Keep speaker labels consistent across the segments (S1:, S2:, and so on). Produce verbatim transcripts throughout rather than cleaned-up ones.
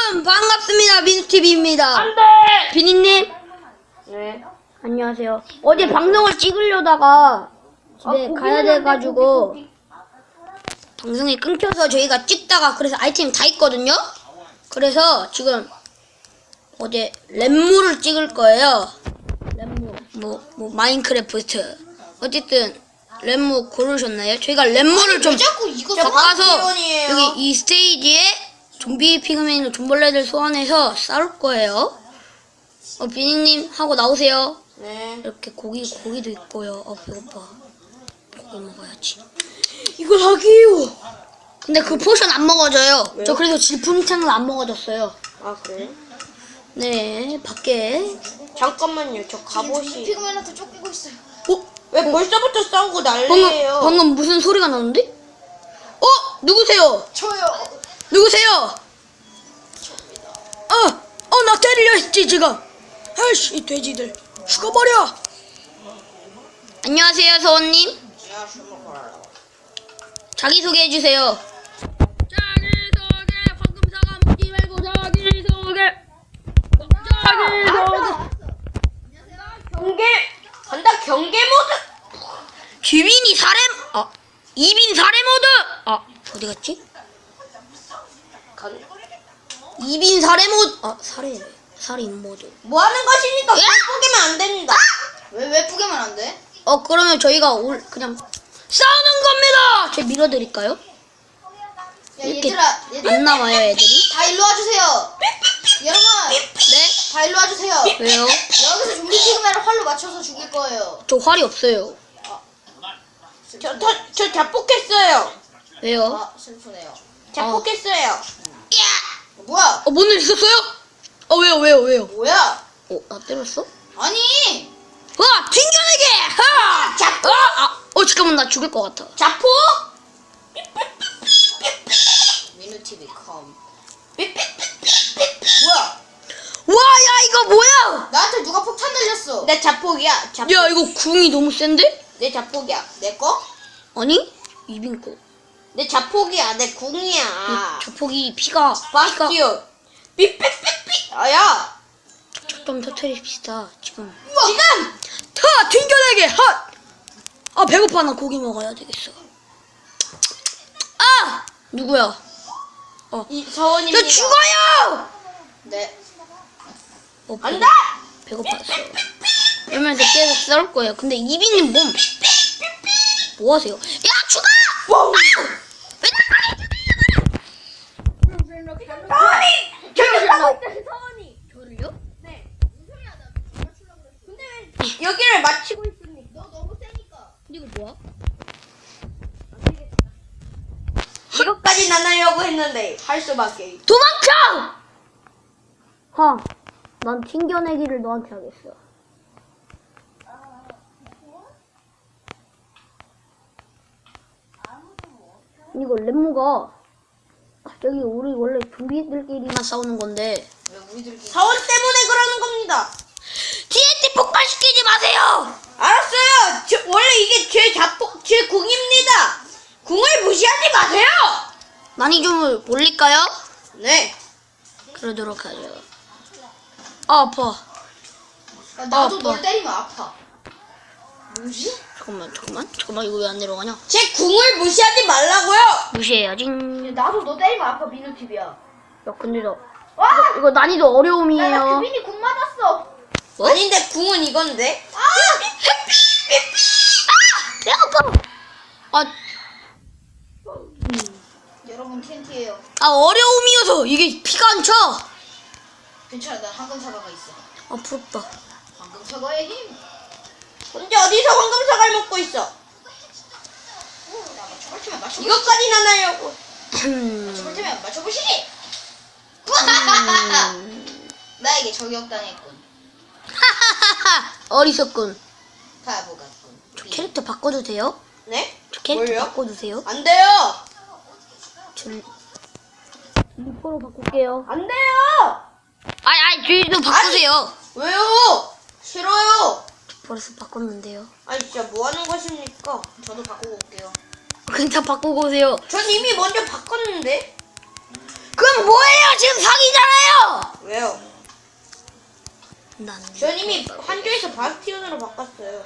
S1: 여러분 반갑습니다. 민수티비입니다.
S2: 안돼.
S1: 비니님
S2: 네.
S1: 안녕하세요. 어제 방송을 찍으려다가 집에
S2: 아,
S1: 가야 돼가지고 방송이 끊겨서 저희가 찍다가 그래서 아이템이 다 있거든요. 그래서 지금 어제 랩무를 찍을 거예요. 랩무 뭐, 뭐 마인크래프트 어쨌든 랩무 고르셨나요? 저희가 랩무를 좀
S3: 자꾸 이거
S1: 바꿔서
S2: 기본이에요.
S1: 여기 이 스테이지에 좀비 피그맨 좀벌레들 소환해서 싸울 거예요. 어, 비니님 하고 나오세요.
S2: 네.
S1: 이렇게 고기 고기도 있고요. 어 배고파. 고기 먹어야지. 이걸 하기요. 근데 그 포션 안 먹어져요.
S2: 왜요?
S1: 저 그래서 질풍창을 안 먹어졌어요.
S2: 아 그래?
S1: 네 밖에.
S2: 잠깐만요. 저 갑옷이.
S3: 피그맨한테 쫓기고 있어요.
S1: 어?
S2: 왜 벌써부터 싸우고
S1: 방금
S2: 난리예요?
S1: 방금 무슨 소리가 나는데? 어 누구세요?
S3: 저요.
S1: 누구세요? 어, 어, 나 때리려 했지, 지금. 아이씨, 이 돼지들. 죽어버려. 안녕하세요, 서원님. 자기소개해주세요. 자기소개, 황금사과 묻지 말고 자기소개. 자기소개.
S2: 경계 간다. 경계 모드.
S1: 귀빈이 사렘, 아, 이빈 사렘 모드. 아, 어디 갔지?
S2: 간.
S1: 이빈 사렘 모드. 아, 사렘. 살인 모드.
S2: 뭐 하는 것이니까
S1: 야!
S2: 예쁘게면 안 됩니다.
S3: 왜 왜 뿌개면 안 돼?
S1: 어 그러면 저희가 올 그냥 싸우는 겁니다. 제가 밀어드릴까요?
S3: 야
S1: 이렇게
S3: 얘들아, 얘들아
S1: 안 나와요 애들이?
S3: 다 일로 와주세요. 여러분
S1: 네?
S3: 다 일로 와주세요.
S1: 왜요?
S3: 여기서 좀비 피그맨을 활로 맞춰서 죽일 거예요.
S1: 저 활이 없어요.
S2: 저, 저, 저 자폭했어요.
S1: 왜요?
S3: 아 슬프네요.
S2: 자폭했어요.
S1: 야!
S3: 뭐야?
S1: 어 뭔 일 있었어요? 어 왜요 왜요 왜요?
S3: 뭐야?
S1: 어 나 때렸어?
S3: 아니
S1: 와 튕겨내게! 하!
S2: 자폭.
S1: 아, 아, 어 잠깐만 나 죽을 것 같아.
S2: 자폭.
S3: 민우티비 컴.
S2: 뭐야?
S1: 와 야 이거 뭐야?
S3: 나한테 누가 폭탄 날렸어?
S2: 내 자폭이야. 자폭.
S1: 야 이거 궁이 너무 센데?
S2: 내 자폭이야.
S3: 내 거?
S1: 아니 이빈 거.
S2: 내 자폭이야. 내 궁이야.
S1: 저 폭이 피가 피가
S2: 바스티온. 삐삐삐삐. 아야.
S1: 좀 터트립시다 지금.
S2: 지금.
S1: 타 튕겨내게 핫! 아 배고파 나 고기 먹어야 되겠어. 아 누구야?
S2: 이 서원입니다.
S1: 저 죽어요!
S3: 네.
S1: 어,
S2: 안다.
S1: 배고팠어. 이러면서 계속 싸울 거예요. 근데 이비님 몸. 뭐 하세요? 야 죽어!
S2: wow.
S1: 아! 왜
S2: 서원이. 저기 싸고 있다. 서원이.
S1: 저를요?
S2: 네. 근데 왜 여기를 마치고 있습니까?
S3: 너 너무 세니까.
S1: 이거 뭐야?
S2: 이것까지 안 하려고 했는데 할 수밖에.
S1: 도망쳐! 하, 난 튕겨내기를 너한테 하겠어. 이거 렘무가 갑자기 우리 원래 좀비들끼리만 싸우는 건데
S3: 왜 우리들끼리?
S2: 서원 때문에 그러는 겁니다.
S1: 티엔티 폭발시키지 마세요!
S2: 알았어요. 저, 원래 이게 제 자폭, 제 궁입니다. 궁을 무시하지 마세요.
S1: 많이 좀 올릴까요?
S2: 네.
S1: 그러도록 하죠. 아, 아파.
S3: 야, 나도
S1: 아빠.
S3: 널 때리면 아파. 뭐지?
S1: 잠깐만, 잠깐만, 잠깐만, 이거 왜 안 내려가냐?
S2: 제 궁을 무시하지 말라고요.
S1: 무시해야지.
S3: 야, 나도 너 때리면 아파 민우티비야.
S1: 야, 근데 나,
S3: 와!
S1: 이거, 이거 난이도
S3: 야, 나
S1: 어려움이에요.
S3: 규빈이 궁 맞았어.
S1: 뭐?
S2: 아닌데 궁은 이건데.
S3: 아!
S1: 아! 내 아파! 아,
S3: 여러분 텐트예요.
S1: 아, 어려움이어서 이게 피가 안 차!
S3: 괜찮아, 나 황금 사과가 있어.
S1: 아, 부럽다.
S3: 황금 사과의 힘.
S2: 근데 어디서 황금 사과를 먹고 있어?
S3: 야, 맞춰볼 테면 맞춰.
S2: 이것까지는 안 하려고.
S3: 맞춰볼 테면 맞춰보시지. 나에게 저격당했군.
S1: 하하하하! 어리석군.
S3: 바보 같군.
S1: 저 캐릭터 바꿔도 돼요?
S2: 네?
S1: 저 캐릭터
S2: 뭘요?
S1: 바꿔주세요.
S2: 안 돼요.
S1: 저 리퍼로 바꿀게요.
S2: 안 돼요.
S1: 아니, 아니, 저희도 바꾸세요.
S2: 왜요? 싫어요.
S1: 벌써 바꿨는데요.
S2: 아니 진짜 뭐 하는 것입니까?
S3: 저도 바꾸고 올게요.
S1: 그냥 다 바꾸고 오세요.
S2: 전 이미 먼저 바꿨는데.
S1: 그럼 뭐예요? 지금 사기잖아요! 난
S2: 전 이미 한조에서 바스티온으로 바꿨어요.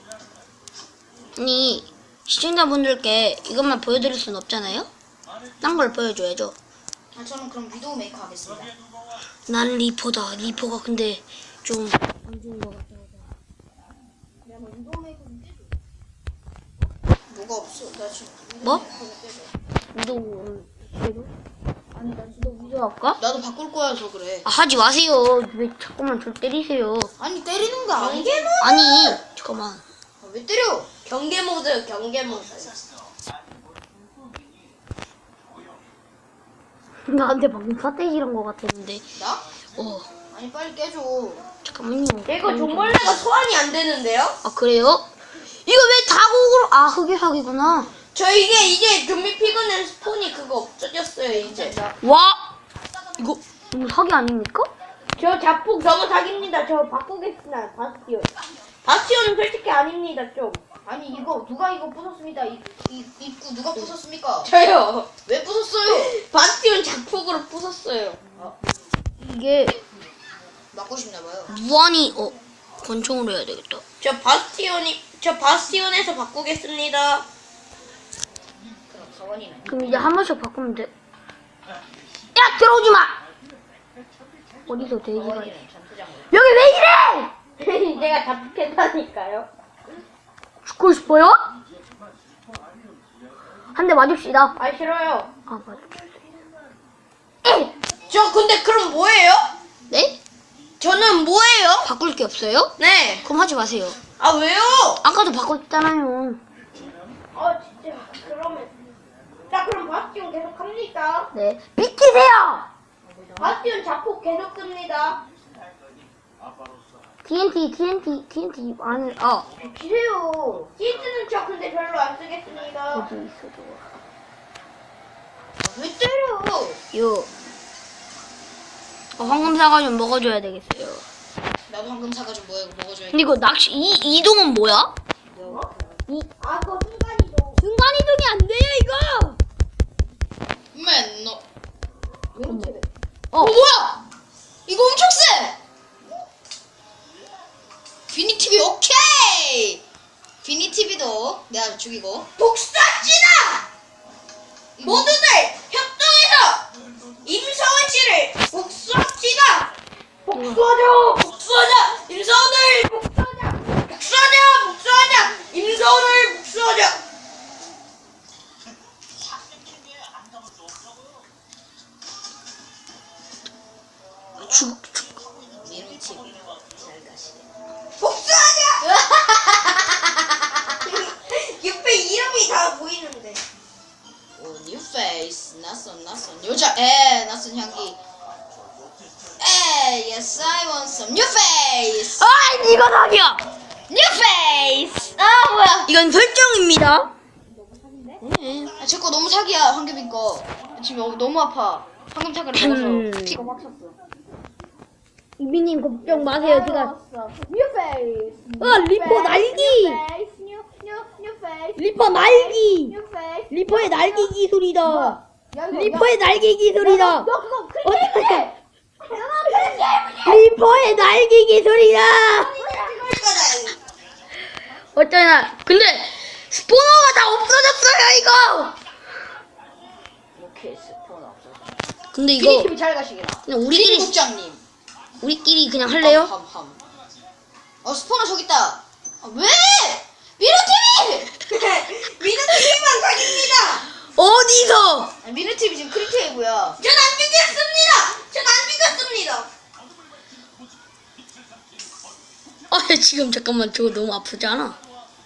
S1: 아니 시청자분들께 이것만 보여드릴 순 없잖아요? 딴 걸 보여줘야죠.
S3: 아, 저는 그럼 위도우 메이커 하겠습니다.
S1: 난 리퍼다. 리퍼가 근데 좀 안 좋은 것 같다.
S3: 야, 뭐 위도우 메이커 좀 떼줘. 뭐가 없어? 나 지금 위도우
S1: 뭐?
S3: 메이커 좀 떼줘.
S1: 위도 위도? 아니 나 진짜 위도 할까?
S3: 나도 바꿀 거여서 그래.
S1: 아, 하지 마세요. 왜 자꾸만 절 때리세요?
S3: 아니 때리는 거 아니지?
S2: 경계 모드.
S1: 아니 잠깐만.
S3: 아, 왜 때려?
S2: 경계 모드, 경계 모드.
S1: 나한테 방금 사태질한 것 같았는데.
S3: 나?
S1: 어
S3: 아니 빨리 깨줘.
S1: 잠깐만요.
S2: 이거 종벌레가 소환이 안 되는데요?
S1: 아 그래요? 이거 왜 다국으로? 아 흑유사기구나.
S2: 저 이게 이제 좀비 피그는 스폰이 그거 없어졌어요 이제.
S1: 와 이거 너무 사기 아닙니까?
S2: 저 자폭 너무 사기입니다. 저 바꾸겠습니다. 바스티온. 바스티온은 솔직히 아닙니다 좀.
S3: 아니 이거 누가 이거 부쉈습니다. 이, 이 입구 누가 부쉈습니까?
S2: 저요.
S3: 왜 부쉈어요?
S2: 바스티온 자폭으로 부쉈어요.
S1: 이게
S3: 맞고 싶나 봐요.
S1: 무한히 어 권총으로 해야 되겠다.
S2: 저 바스티온이 저 바스티온에서 바꾸겠습니다.
S3: 그럼 가원이는
S1: 그럼 이제 한 번씩 바꾸면 돼. 야 들어오지 마. 어디서 돼지가 있어?
S3: 가원이는 전투장으로.
S1: 여기 왜 이래?
S2: 제가 자폭했다니까요.
S1: 죽고 싶어요? 한 대 맞읍시다.
S2: 아 싫어요.
S1: 아 맞읍시다.
S2: 저 근데 그럼 뭐예요?
S1: 네?
S2: 저는 뭐예요?
S1: 바꿀 게 없어요?
S2: 네.
S1: 그럼 하지 마세요.
S2: 아 왜요?
S1: 아까도 바꿨잖아요.
S2: 아 진짜 그러면 자 그럼 바스티온 계속 합니까?
S1: 네. 비키세요.
S2: 바스티온 자폭 계속 씁니다.
S1: 티엔티 티엔티 티엔티 안을 아
S2: 비키세요. 시즈는 저 근데 별로 안 쓰겠습니다.
S1: 어디 있어 저거.
S3: 왜 때려?
S1: 요. 어, 황금 사과 좀 먹어줘야 되겠어요.
S3: 나도 황금 사과 좀 먹어 먹어줘야.
S1: 근데 이거 낚시 이 이동은 뭐야? 이
S2: 아 그거 순간이동.
S1: 순간 이동이 안 돼요 이거.
S3: 맨 너.
S1: 어.
S3: 어 뭐야? 이거 엄청 세. 비니티비 오케이. 비니티비도 내가 죽이고.
S2: 복사지다.
S3: 이거
S2: 모두들 협동해서 임성원 씨를 복수합시다. 복수하자, 복수하자, 임성원을 복수하자, 복수하자, 복수하자, 임성원을 복수하자.
S1: 죽 죽.
S3: 비니티비 잘 가시네.
S2: 복수하자. 옆에 이름이 다 보이는데.
S3: 오, 뉴 페이스. 낯선 낯선 여자. 에 낯선 향기. 에 yes I want some new face.
S1: 아 이거 사기야.
S3: new face. 아 뭐야?
S1: 이건 설정입니다.
S3: 아, 제 거 너무 사기야, 황금인 거. 지금 어, 너무 아파. 황금 사과를
S1: 음.
S3: 먹어서 피가 막 찼어.
S1: 이비님 걱정 마세요. 제가
S2: New face.
S1: 어 리퍼 날기.
S2: face. New new new face.
S1: 리퍼 날기.
S2: New face.
S1: 리퍼의 날개 기술이다.
S2: 야, 이거,
S1: 리퍼의 날개 기술이다.
S2: 야, 너 그거
S1: 어떡해.
S2: 크리켓.
S1: 리퍼의 날개 기술이다. 어쩌나. 근데 스포너가 다 없어졌어요 이거.
S3: 이렇게 스폰 없어서.
S1: 근데 이거
S3: 비니티비 잘 가시게나.
S1: 그냥 우리끼리
S3: 국장님.
S1: 우리끼리 그냥 할래요?
S3: 함, 함, 함. 어 스포너 저기 있다. 아, 왜? 미르티비!
S2: 미드TV만 사깁니다.
S1: 어디서?
S3: 아, 미르티비 지금 크리테이고요.
S2: 전 안 믿겠습니다. 전 안 믿겠습니다.
S1: 아 지금 잠깐만 저거 너무 아프지 않아?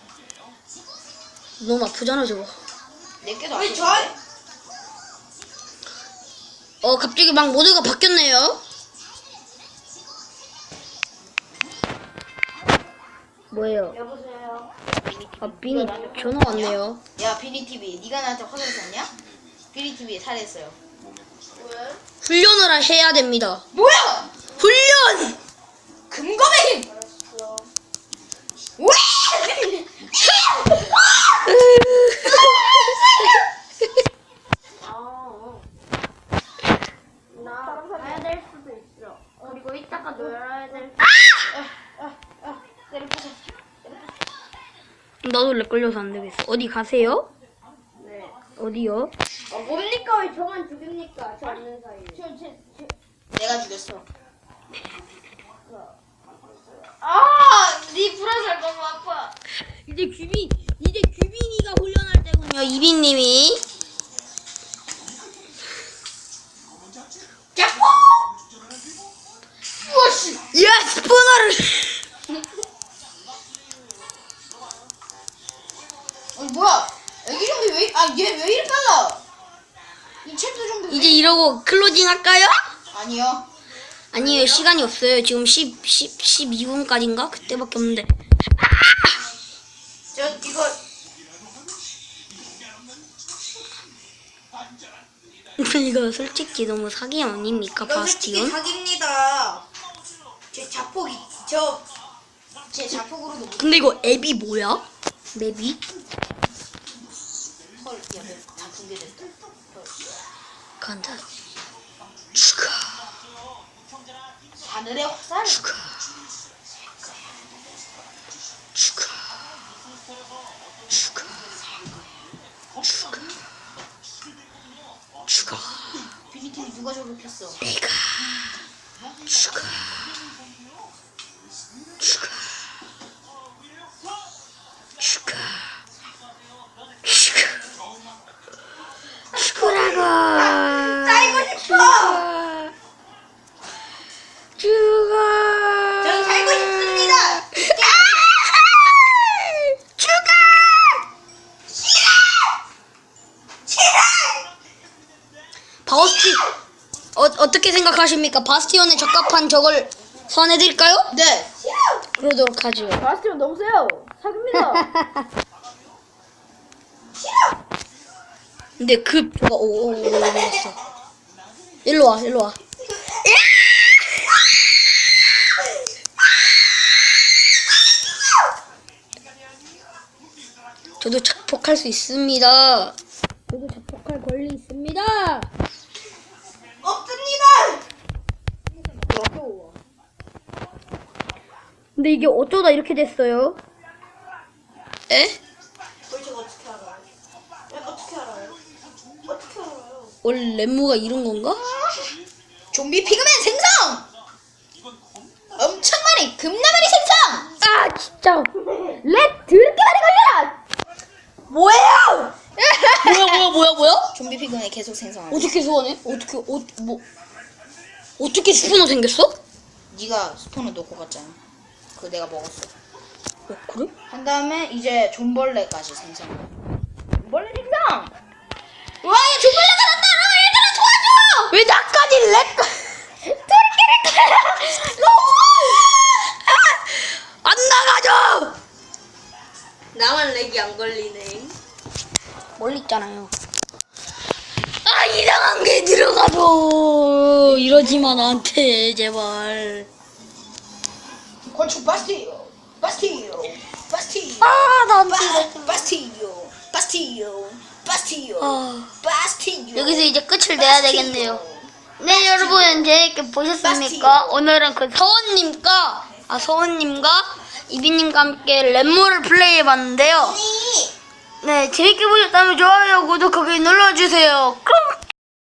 S1: 너무 아프잖아 저거.
S3: 내게도
S2: 왜
S3: 안
S2: 저?
S3: 좋은데?
S1: 어 갑자기 막 모드가 바뀌었네요. 뭐예요?
S2: 여보세요.
S1: 아 비니 전화 왔네요.
S3: 야 비니티비, 네가 나한테 화를 샀냐? 비니티비에 살해했어요.
S2: 왜?
S1: 훈련을 해야 됩니다.
S3: 뭐야?
S1: 훈련!
S3: 금검의 힘!
S2: 알았어.
S3: 왜?
S2: 아. 나 가야 될 수도 있어. 그리고 이따가 놀아야 될.
S1: 아!
S3: 내려보자.
S1: 나도 렉 걸려서 안 되겠어. 어디 가세요?
S3: 네.
S1: 어디요?
S3: 아, 뭡니까? 왜 저만 죽입니까? 저 없는 사이에. 저, 저, 저.
S2: 내가 죽였어.
S3: 아! 니 불화살 너무 아파.
S1: 이제 규빈, 이제 규빈이가 훈련할 때군요. 이빈님이.
S2: 짜포! 우와씨!
S1: 야, 스포너를.
S2: 아니 뭐야? 애기 좀비 왜? 아 얘 왜 이리 빨라? 이 챕터 좀비.
S1: 이제 이러고 클로징 할까요?
S2: 아니요.
S1: 아니에요. 시간이 없어요. 지금 십, 십, 십이 분까지인가? 그때밖에 없는데.
S2: 저 이거
S1: 이거 솔직히 너무 사기 아닙니까?
S2: 이거 솔직히
S1: 바스티온?
S2: 사기입니다. 제 자폭이 저 제 자폭으로도 못.
S1: 근데 이거 앱이 뭐야? 맵이?
S2: 헐, 야, 다 붕괴됐다. 헐.
S1: 간다. 죽어.
S2: 하늘의 화살.
S1: 죽어. 죽어. 죽어. 죽어. 죽어.
S2: 비니팀이 누가 저렇겠어?
S1: 내가 죽어. 죽어. 죽어. 죽어. 죽으라고.
S2: 살고 싶어.
S1: 죽어. 죽어.
S2: 전 살고 싶습니다.
S1: 죽어. 바스티 어 어떻게 생각하십니까? 바스티온에 적합한 적을 선해드릴까요?
S2: 네.
S1: 그러도록 하죠.
S3: 바스티온 너무 세요. 사깁니다.
S1: 근데 급 저거 오오오 올랐어. 일로 와 일로 와. 저도 자폭할 수 있습니다. 저도 자폭할 권리 있습니다.
S2: 없습니다.
S3: 어려워.
S1: 근데 이게 어쩌다 이렇게 됐어요? 에?
S3: 그걸 제가 어떻게 알아요? 왜 어떻게 알아요? 어떻게 알아요?
S1: 원래 렘무가 이런 건가?
S2: 좀비 피그맨 생성. 엄청 많이 금나발이 생성.
S1: 아 진짜 렉 드럽게 많이 걸려라.
S2: 뭐예요?
S1: 뭐야 뭐야 뭐야 뭐야?
S2: 좀비 피그맨 계속 생성하고.
S1: 어떻게 소환해? 어떻게 어 뭐 어떻게 스포너 생겼어?
S2: 네가 스폰을 놓고 갔잖아. 그거 내가 먹었어.
S1: 어 그래?
S2: 한 다음에 이제 존벌레까지 생성. 존벌레 생성.
S1: 와, 얘 조벌레가 났다! 아, 얘들아 도와줘! 왜 나까지 렉? 저렇게 렉 걸려! 너무! 아! 안 나가죠!
S3: 나만 렉이 안 걸리네.
S1: 멀리 있잖아요. 아, 이상한 게 들어가도 이러지마 나한테 제발.
S2: 건축 바스티오. 바스티오. 바스티오.
S1: 아, 나한테
S2: 바,
S1: 이러지
S2: 바스티오. 바스티오. 바스티오.
S1: 아,
S2: 바스티오.
S1: 여기서 이제 끝을 내야 되겠네요. 네, 여러분 재밌게 보셨습니까? 오늘은 그 서원님과 아 서원님과 이비님과 함께 랩모를 플레이해봤는데요. 네, 재밌게 보셨다면 좋아요, 구독하기 눌러주세요. 그럼